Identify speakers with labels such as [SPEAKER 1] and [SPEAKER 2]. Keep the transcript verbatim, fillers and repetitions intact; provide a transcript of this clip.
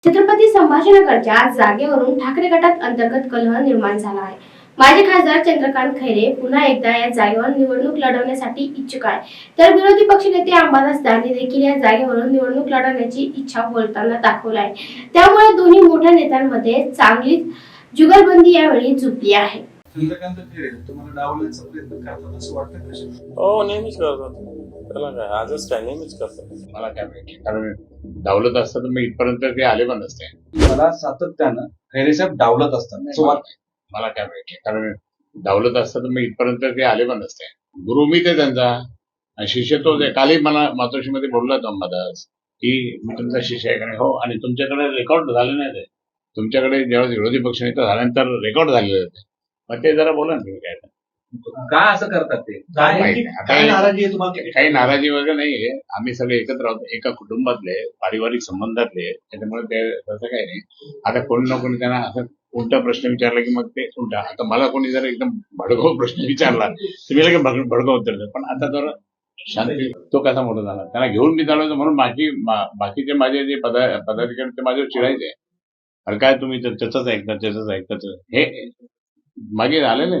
[SPEAKER 1] छत्रपती संभाजीनगरच्या जागेवरून ठाकरे गटात अंतर्गत कलह निर्माण झाला आहे. माजी खासदार चंद्रकांत खैरे पुन्हा एकदा या जागेवर निवडणूक लढवण्यासाठी इच्छुक आहे, तर विरोधी पक्षनेते अंबादास दानवे देखील या जागेवरून निवडणूक लढवण्याची इच्छा बोलताना दाखवली आहे. त्यामुळे दोन्ही मोठ्या नेत्यांमध्ये चांगलीच जुगलबंदी यावेळी झुकली आहे.
[SPEAKER 2] चंद्रकांत खैरे तुम्हाला डावलण्याचा प्रयत्न करतात असं वाटतं का?
[SPEAKER 3] हो, नेहमीच करतात. त्याला काय आजच काय नेहमीच करतात.
[SPEAKER 4] मला काय माहिती, कारण डावलत असतं तर मी इथपर्यंत ते आले पण नसते.
[SPEAKER 2] मला सातत्यानं खैरे साहेब डावलत असतात असं वाटतं.
[SPEAKER 4] मला काय माहिती, कारण डावलत असतं तर मी इथपर्यंत ते आले पण नसते. गुरु मी ते त्यांचा आणि शिष्य तो. कालही मला मातोश्रीमध्ये बोलला तो अंबादास की मी तुमचा शिष्य आहे का नाही. हो, आणि तुमच्याकडे रेकॉर्ड झाले नाही ते. तुमच्याकडे जेव्हा विरोधी पक्षनेता झाल्यानंतर रेकॉर्ड झालेले होते. मग ते जरा बोला ना तुम्ही काय.
[SPEAKER 2] का असं करतात ते?
[SPEAKER 4] माहिती नाही.
[SPEAKER 2] काय नाराजी आहे तुम्हाला?
[SPEAKER 4] काही नाराजी वगैरे नाहीये. आम्ही सगळे एकत्र आहोत, एका कुटुंबातले, पारिवारिक संबंधातले. त्याच्यामुळे ते तसं काही नाही. आता कोणी ना कोणी त्यांना असं उलटा प्रश्न विचारला की मग ते उलटा. आता मला कोणी जर एकदम भडकाऊ प्रश्न विचारला तर मी लगेच भडकाऊ उत्तर देतो. पण आता जर शांती, तो कसा मोठा झाला, त्याला घेऊन मी चालवतो म्हणून बाकी बाकीचे माझे जे पदा पदाधिकारी ते माझ्यावर चिडायचे. अरे काय तुम्ही तर त्याच ऐकतात त्याच ऐकतात हे मागे आलेलं